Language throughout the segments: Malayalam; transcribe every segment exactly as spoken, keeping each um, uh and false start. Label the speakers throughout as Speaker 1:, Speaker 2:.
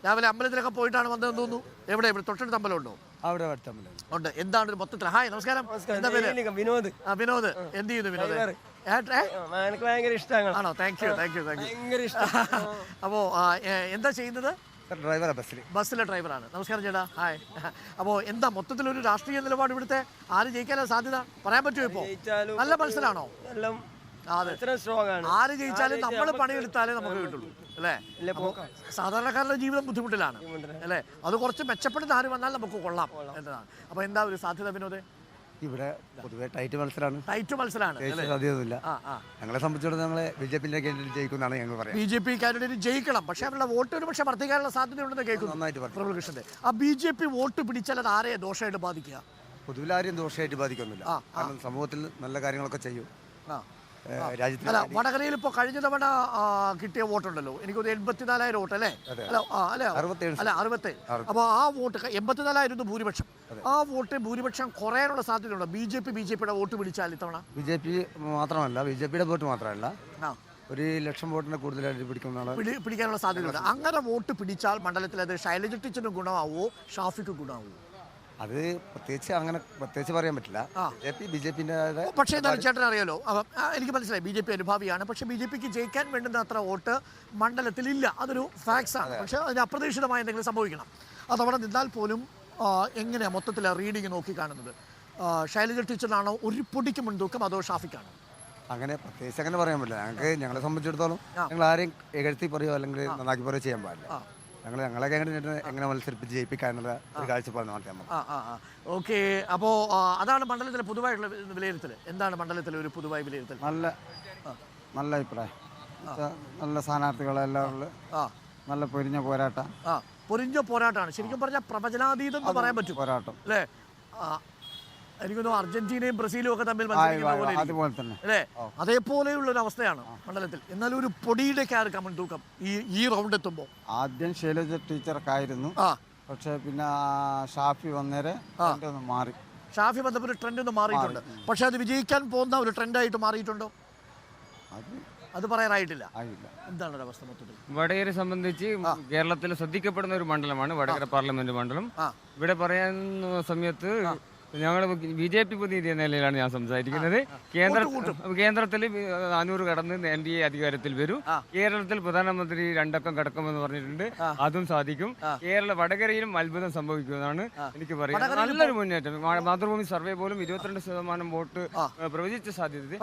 Speaker 1: രാവിലെ അമ്പലത്തിലൊക്കെ പോയിട്ടാണ് വന്നതെന്ന് തോന്നുന്നു. എവിടെ ഇവിടെ തൊട്ടടുത്ത് അമ്പലമുണ്ടോ?
Speaker 2: അവിടെ
Speaker 1: ഉണ്ട്. എന്താണ് ഒരു മൊത്തത്തിൽ? ഹായ്, നമസ്കാരം. എന്താ പേര്?
Speaker 3: വിനോദ്.
Speaker 1: ആ, വിനോദ്. എന്ത് ചെയ്യുന്നു വിനോദ്?
Speaker 3: എനിക്ക് ഭയങ്കര ഇഷ്ടമാണ്.
Speaker 1: ആണോ? Thank you thank you thank you.
Speaker 3: ഭയങ്കര ഇഷ്ടം.
Speaker 1: അപ്പോ എന്താ ചെയ്യുന്നത്?
Speaker 2: ഡ്രൈവറാ ബസ്സിൽ.
Speaker 1: ബസ്സിലെ ഡ്രൈവറാണ്. നമസ്കാരം ചേട്ടാ. ഹായ്. അപ്പോൾ എന്താ മൊത്തത്തിലൊരു രാഷ്ട്രീയ നിലപാട് ഇവിടുത്തെ? ആര് ജയിക്കാനാ സാധ്യത പറയാൻ പറ്റുമോ ഇപ്പോൾ? നല്ല മത്സരമാണോ? ആര് ജയിച്ചാലും നമ്മൾ പണിയെടുത്താലേ നമുക്ക് കിട്ടുള്ളൂ അല്ലേ? സാധാരണക്കാരുടെ ജീവിതം ബുദ്ധിമുട്ടിലാണ് അല്ലേ? അത് കുറച്ച് മെച്ചപ്പെടുന്ന ആര് വന്നാൽ നമുക്ക് കൊള്ളാം എന്നതാണ്. അപ്പൊ എന്താ ഒരു സാധ്യത വിനോദേ?
Speaker 2: ഇവിടെ പൊതുവെ ടൈറ്റ് മത്സരമാണ്.
Speaker 1: ടൈറ്റ് മത്സരമാണ്.
Speaker 2: സാധ്യതയൊന്നുമില്ല. ഞങ്ങളെ സംബന്ധിച്ചിടത്തോളം ഞങ്ങളെ ബി ജെ പിന്റെ കാൻഡിഡേറ്റ് ജയിക്കുമെന്നാണ് ഞങ്ങൾ പറയുന്നത്.
Speaker 1: ബി ജെ പി കാൻഡിഡേറ്റ് ജയിക്കണം, പക്ഷേ അവരുടെ വോട്ട് ഒരു പക്ഷേ വർദ്ധിക്കാനുള്ള സാധ്യതയുണ്ടെന്ന് കേൾക്കുന്നു.
Speaker 2: നന്നായിട്ട് പറഞ്ഞു
Speaker 1: പ്രബലകൃഷ്ണന്റെ. ആ ബി ജെ പി വോട്ട് പിടിച്ചാൽ അത് ആരെയെ ദോഷമായിട്ട് ബാധിക്കുക?
Speaker 2: പൊതുവിൽ ആരെയും ദോഷമായിട്ട് ബാധിക്കൊന്നുമില്ല. കാരണം സമൂഹത്തിൽ നല്ല കാര്യങ്ങളൊക്കെ ചെയ്യും.
Speaker 1: രാജ്യത്ത് അല്ല, വടകരയിൽ ഇപ്പോൾ കഴിഞ്ഞ തവണ കിട്ടിയ വോട്ടുണ്ടല്ലോ, എനിക്കൊരു എൺപത്തിനാലായിരം വോട്ട് അല്ലേ? അല്ല അല്ല അല്ല അറുപത്തേഴ്. അപ്പോൾ ആ വോട്ട് എൺപത്തിനാലായിരുന്നു ഭൂരിപക്ഷം. ആ വോട്ട് ഭൂരിപക്ഷം കുറയാനുള്ള സാധ്യതയുണ്ടോ? B J P B J പിയുടെ വോട്ട് പിടിച്ചാൽ ഇത്തവണ?
Speaker 2: ബി ജെ പി മാത്രമല്ല, ബി ജെ പിയുടെ വോട്ട് മാത്രമല്ല, ഒരു ലക്ഷം വോട്ടിനെ കൂടുതലായിട്ട് പിടിക്കുന്നതാണ്
Speaker 1: പിടിക്കാനുള്ള സാധ്യതയുണ്ട്. അങ്ങനെ വോട്ട് പിടിച്ചാൽ മണ്ഡലത്തിൽ അത് ശൈലജ ടീച്ചറിന് ഗുണമാവോ ഷാഫിക്ക് ഗുണമാവോ?
Speaker 2: അത് പ്രത്യേകിച്ച് അങ്ങനെ പ്രത്യേകിച്ച് പറയാൻ പറ്റില്ല. ബി ജെ പിന്റെ
Speaker 1: പക്ഷേ എന്താണ് ചേട്ടൻ അറിയാലോ, എനിക്ക് മനസ്സിലായി ബി ജെ പി അനുഭാവിയാണ്. പക്ഷേ ബി ജെ പിക്ക് ജയിക്കാൻ വേണ്ടുന്ന അത്ര വോട്ട് മണ്ഡലത്തിലില്ല. അതൊരു ഫാക്ട്സ് ആണ്. പക്ഷേ അതിന് അപ്രതീക്ഷിതമായ എന്തെങ്കിലും സംഭവിക്കണം. അതവിടെ നിന്നാൽ പോലും എങ്ങനെയാണ് മൊത്തത്തിൽ റീഡിങ് നോക്കി കാണുന്നത്? ശൈലജ ടീച്ചറിനാണോ ഒരു പൊടിക്ക് മുൻതൂക്കം, അതോ ഷാഫിക്കാണോ?
Speaker 2: അങ്ങനെ പ്രത്യേകിച്ച് അങ്ങനെ പറയാൻ പറ്റില്ല. ഞങ്ങൾക്ക് ഞങ്ങളെ സംബന്ധിച്ചിടത്തോളം ഞങ്ങൾ ആരെയും എഴുത്തി പറയുകയോ അല്ലെങ്കിൽ നന്നാക്കി പറയുകയോ ചെയ്യാൻ പാടില്ല. ഞങ്ങൾ ഞങ്ങളെ കാൻഡിഡേറ്റിനെ എങ്ങനെ മത്സരിപ്പിച്ച് ജയിപ്പിക്കാനുള്ള ഒരു കാഴ്ചപ്പാട് നടത്താൻ.
Speaker 1: ഓക്കെ. അപ്പോൾ അതാണ് മണ്ഡലത്തിലെ പൊതുവായിട്ടുള്ള വിലയിരുത്തൽ. എന്താണ് മണ്ഡലത്തിലെ ഒരു പൊതുവായ വിലയിരുത്തൽ?
Speaker 2: നല്ല നല്ല അഭിപ്രായം. നല്ല സ്ഥാനാർത്ഥികളെല്ലാം ഉള്ള നല്ല പൊരിഞ്ഞ പോരാട്ടം.
Speaker 1: ആ പൊരിഞ്ഞ പോരാട്ടമാണ്. ശരിക്കും പറഞ്ഞാൽ പ്രവചനാതീതം എന്ന് പറയാൻ പറ്റും
Speaker 2: പോരാട്ടം
Speaker 1: അല്ലേ? എനിക്കൊന്നു അർജന്റീനയും ബ്രസീലും ഒക്കെ തമ്മിൽ
Speaker 2: അതുപോലെ തന്നെ
Speaker 1: അല്ലേ? അതേപോലെയുള്ള ഒരു അവസ്ഥയാണ് മണ്ഡലത്തിൽ. എന്നാലും ഒരു പൊടിയുടെ ആർക്കാ മുൻതൂക്കം ഈ ഈ റൗണ്ട് എത്തുമ്പോൾ?
Speaker 2: ആദ്യം ശൈലജ ടീച്ചർക്കായിരുന്നു, പക്ഷെ പിന്നെ ഷാഫി വന്നേരെ മാറി.
Speaker 1: ഷാഫി വന്നപ്പോൾ ഒരു ട്രെൻഡ് ഒന്ന് മാറിയിട്ടുണ്ട്. പക്ഷെ അത് വിജയിക്കാൻ പോകുന്ന ഒരു ട്രെൻഡായിട്ട് മാറിയിട്ടുണ്ടോ?
Speaker 2: അത്
Speaker 1: അത് പറയാറായിട്ടില്ല. എന്താണ് ഒരു അവസ്ഥ മൊത്തത്തിൽ?
Speaker 4: വടകരയെ സംബന്ധിച്ച് കേരളത്തിൽ ശ്രദ്ധിക്കപ്പെടുന്ന ഒരു മണ്ഡലമാണ് വടകര പാർലമെന്റ് മണ്ഡലം. ഇവിടെ പറയുന്ന സമയത്ത് ഞങ്ങൾ ബി ജെ പി പ്രതിനിധി എന്ന നിലയിലാണ് ഞാൻ സംസാരിക്കുന്നത്. കേന്ദ്ര കേന്ദ്രത്തിൽ നാനൂറ് കടന്ന് എൻ ഡി എ അധികാരത്തിൽ വരും. കേരളത്തിൽ പ്രധാനമന്ത്രി രണ്ടക്കം കടക്കുമെന്ന് പറഞ്ഞിട്ടുണ്ട്. അതും സാധിക്കും. കേരള വടകരയിലും അത്ഭുതം സംഭവിക്കുമെന്നാണ് എനിക്ക് പറയുന്നത്. നല്ലൊരു മുന്നേറ്റം. മാതൃഭൂമി സർവേ പോലും ഇരുപത്തിരണ്ട് ശതമാനം വോട്ട് പ്രവചിച്ച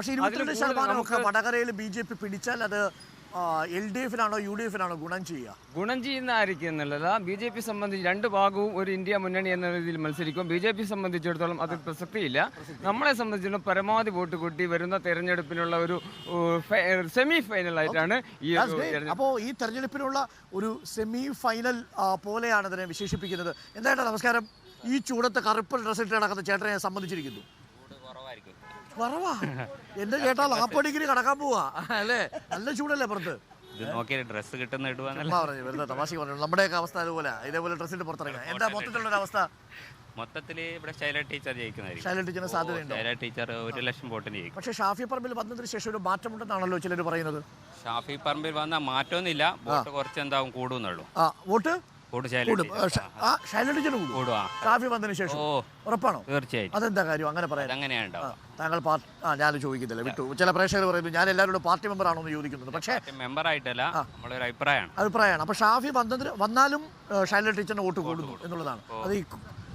Speaker 4: സാധ്യത.
Speaker 1: വടകരയിൽ ബി ജെ പി പിടിച്ചാൽ അത് എൽ ഡി എഫിനാണോ യു ഡി എഫിനാണോ ഗുണം ചെയ്യുക?
Speaker 4: ഗുണം ചെയ്യുന്ന ആയിരിക്കും എന്നുള്ളതാ. ബി ജെ പി സംബന്ധിച്ച് രണ്ട് ഭാഗവും ഒരു ഇന്ത്യ മുന്നണി എന്ന രീതിയിൽ മത്സരിക്കും. ബി ജെ പി സംബന്ധിച്ചിടത്തോളം അത് പ്രസക്തിയില്ല. നമ്മളെ സംബന്ധിച്ചിടത്തോളം പരമാവധി വോട്ട് കൂട്ടി വരുന്ന തെരഞ്ഞെടുപ്പിനുള്ള ഒരു സെമി ഫൈനൽ ആയിട്ടാണ് ഈ.
Speaker 1: അപ്പോൾ ഈ തെരഞ്ഞെടുപ്പിനുള്ള ഒരു സെമി ഫൈനൽ പോലെയാണ് ഇതിനെ വിശേഷിപ്പിക്കുന്നത്. എന്തായാലും നമസ്കാരം. ഈ ചൂടത്ത് കറുപ്പ് ഡ്രസ് ഇട്ട് നടക്കുന്ന ചേട്ടനെ സംബന്ധിച്ചിരിക്കുന്നു. കുറവാ എന്റെ ചേട്ടാ നാപ്പത് ഡിഗ്രി കടക്കാൻ പോവാ അല്ലേ? നല്ല ചൂടല്ലേ പുറത്ത്?
Speaker 5: ഡ്രസ് കിട്ടുന്ന
Speaker 1: വെറുതെ തമാശക്ക് പറഞ്ഞു. നമ്മുടെയൊക്കെ അവസ്ഥ അതുപോലെ ഇതേപോലെ ഡ്രസ് ഇട്ട് പുറത്തിറങ്ങാം. എന്താ മൊത്തത്തിലുള്ള അവസ്ഥ?
Speaker 5: മൊത്തത്തില് ഇവിടെ ശൈല ടീച്ചർ ജയിക്കുന്നതായിരിക്കും.
Speaker 1: ശൈല ടീച്ചറിന് സാധ്യതയുണ്ട്.
Speaker 5: ശൈല ടീച്ചർ ഒരു ലക്ഷം വോട്ടിന് ജയിക്കും.
Speaker 1: പക്ഷേ ഷാഫി പറമ്പിൽ വന്നതിന് ശേഷം ഒരു മാറ്റമുണ്ടെന്നാണല്ലോ ചിലർ പറയുന്നത്.
Speaker 5: ഷാഫി പറമ്പിൽ വന്നാൽ മാറ്റമൊന്നുമില്ല, വോട്ട് കുറച്ച് എന്താവും കൂടുന്നുള്ളൂ.
Speaker 1: ആ വോട്ട് ഷാഫി വന്നതിന് ശേഷം ഉറപ്പാണോ?
Speaker 5: തീർച്ചയായും.
Speaker 1: അതെന്താ കാര്യം അങ്ങനെ പറയാൻ?
Speaker 5: അങ്ങനെയാണ്
Speaker 1: താങ്കൾ ആ ഞാൻ ചോദിക്കുന്നില്ല, വിട്ടു. ചില പ്രേക്ഷകർ പറയുന്നത് ഞാൻ എല്ലാവരോടും പാർട്ടി മെമ്പർ ആണോ എന്ന് ചോദിക്കുന്നത്. പക്ഷേ
Speaker 5: മെമ്പർ ആയിട്ടല്ല, നമ്മളൊരു അഭിപ്രായമാണ്
Speaker 1: അഭിപ്രായമാണ്. അപ്പൊ ഷാഫി വന്നതിന് വന്നാലും ശൈല ടീച്ചറിന് വോട്ട് കൂടുന്നു എന്നുള്ളതാണ്. അത് ഈ